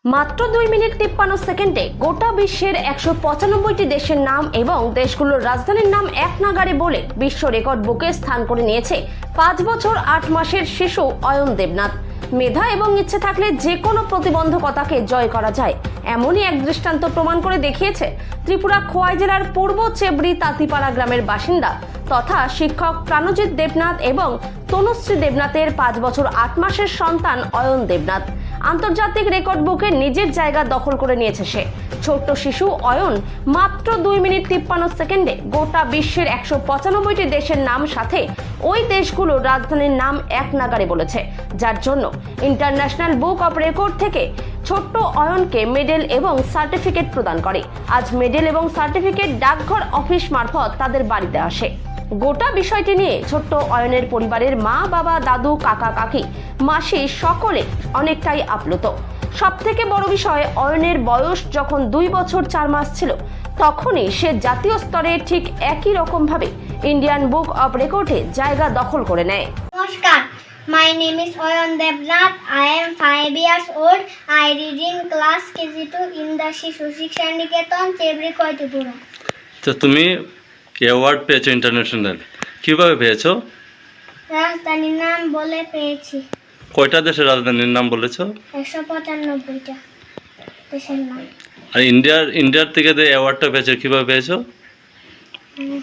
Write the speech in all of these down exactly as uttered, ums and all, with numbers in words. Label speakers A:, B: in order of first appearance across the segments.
A: মাত্র দুই মিনিট তিপ্পান্ন সেকেন্ডে গোটা বিশ্বের একশো পঁচানব্বইটি দেশের নাম এবং দেশগুলোর রাজধানীর নাম এক নাগাড়ে বলে বিশ্ব রেকর্ড বুকে স্থান করে নিয়েছে পাঁচ বছর আট মাসের শিশু অয়ন দেবনাথ। মেধা এবং ইচ্ছে থাকলে যে কোনো প্রতিবন্ধকতাকে জয় করা যায়, এমনই এক দৃষ্টান্ত প্রমাণ করে দেখিয়েছে ত্রিপুরা খোয়াই জেলার পূর্ব চেবড়ি তাঁতিপাড়া গ্রামের বাসিন্দা তথা শিক্ষক প্রাণজিৎ দেবনাথ এবং তনুশ্রী দেবনাথের পাঁচ বছর আট মাসের সন্তান অয়ন দেবনাথ। আন্তর্জাতিক রেকর্ড বুকে নিজের জায়গা দখল করে নিয়েছে সে। ছোট্ট শিশু অয়ন মাত্র দুই মিনিট তিপ্পান্ন সেকেন্ডে গোটা বিশ্বের একশো পঁচানব্বইটি দেশের নাম সাথে ওই দেশগুলোর রাজধানীর নাম এক নাগাড়ে বলেছে, যার জন্য ইন্টারন্যাশনাল বুক অব রেকর্ড থেকে ছোট্ট অয়নকে মেডেল এবং সার্টিফিকেট প্রদান করে। আজ মেডেল এবং সার্টিফিকেট ডাকঘর অফিস মারফত তাদের বাড়িতে আসে। গোটা বিষয়টি নিয়ে ছোট্ট অয়নের পরিবারের মা, বাবা, দাদু, কাকা, কাকি, মাসি সকলে অনেকটাই আপ্লুত। সব থেকে বড় বিষয়, অয়নের বয়স যখন দুই বছর চার মাস ছিল তখনই সে জাতীয় স্তরে ঠিক একই রকম ভাবে ইন্ডিয়ান বুক অব রেকর্ডে জায়গা দখল করে নেয়।
B: নমস্কার, my name is Oyan Devnath. I am five years old. I read in class K G two in the Shishu Shiksha Niketan, Chebri, Koitipura.
C: তো তুমি অ্যাওয়ার্ড পেয়েছো ইন্টারন্যাশনাল, কিভাবে পেয়েছো?
B: রাজধানীর নাম বলে পেয়েছি।
C: কয়টা দেশের রাজধানীর নাম বলেছো?
B: একশো পঁচানব্বইটা দেশের নাম।
C: আর ইন্ডিয়ার ইন্ডিয়ার থেকে যে অ্যাওয়ার্ডটা পেয়েছো কিভাবে পেয়েছো?
B: উম,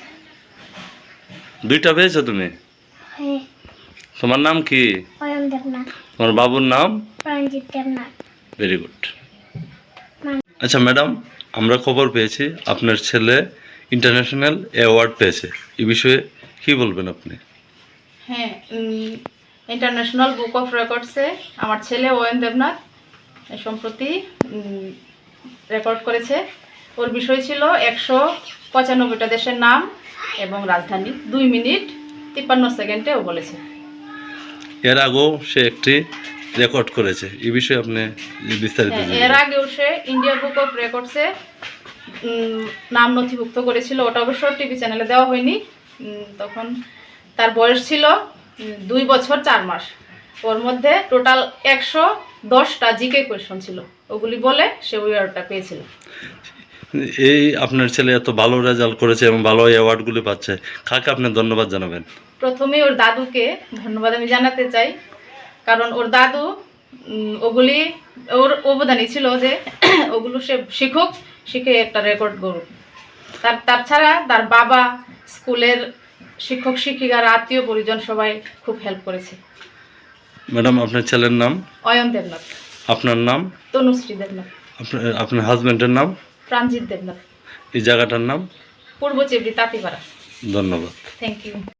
C: দুইটা পেয়েছো তুমি?
B: হ্যাঁ,
C: তোমার নাম কি?
B: অয়ন দেবনাথ,
C: তোমার বাবুর নাম?
B: প্রাণজিৎ দেবনাথ।
C: Very good. আচ্ছা ম্যাডাম, আমরা খবর পেয়েছি আপনার ছেলে ইন্টারন্যাশনাল অ্যাওয়ার্ড পেয়েছে, এই বিষয়ে কি বলবেন আপনি?
D: হ্যাঁ, ইন্টারন্যাশনাল বুক অফ রেকর্ডসে আমার ছেলে অয়ন দেবনাথ সম্প্রতি রেকর্ড করেছে। ওর বিষয় ছিল একশো পঁচানব্বইটা দেশের নাম এবং রাজধানী দুই মিনিট তিপ্পান্ন সেকেন্ডে ও বলেছে।
C: এর আগেও সে একটি রেকর্ড করেছে, এই বিষয়ে আপনি বিস্তারিত
D: হ্যাঁ,
C: জানাবেন।
D: এর আগেও সে ইন্ডিয়া বুক অফ রেকর্ডসে নাম নথিভুক্ত করেছিল। ওটা অবশ্য টিভি চ্যানেলে দেওয়া হয়নি। উম, তখন তার বয়স ছিল উম, দুই বছর চার মাস। ওর মধ্যে টোটাল একশো দশটা জিকে কোয়েশন ছিল, ওগুলি বলে সে ওই অ্যাওয়ার্ডটা পেয়েছিল।
C: এই আপনার ছেলে এত ভালো রেজাল্ট করেছে এবং ভালো অ্যাওয়ার্ডগুলি পাচ্ছে, কাকে আপনি ধন্যবাদ জানাবেন?
D: প্রথমে ওর দাদুকে ধন্যবাদ আমি জানাতে চাই, কারণ ওর দাদু উম, ওগুলি ওর অবদানই ছিল যে ওগুলো সে শিখুক, শিখে একটা রেকর্ড করুক। তার তাছাড়া তার বাবা, স্কুলের শিক্ষক শিক্ষিকার আত্মীয় পরিজন সবাই খুব হেল্প করেছে।
C: ম্যাডাম, আপনার ছেলের নাম?
D: অয়ন দেবনাথ।
C: আপনার নাম?
D: তনুশ্রী দেবনাথ।
C: আপনার আপনার হাজব্যান্ডের নাম?
D: প্রাণজিৎ দেবনাথ।
C: এই জায়গাটার নাম?
D: পূর্ব চেবড়ি তাঁতিপাড়া।
C: ধন্যবাদ।
D: Thank you.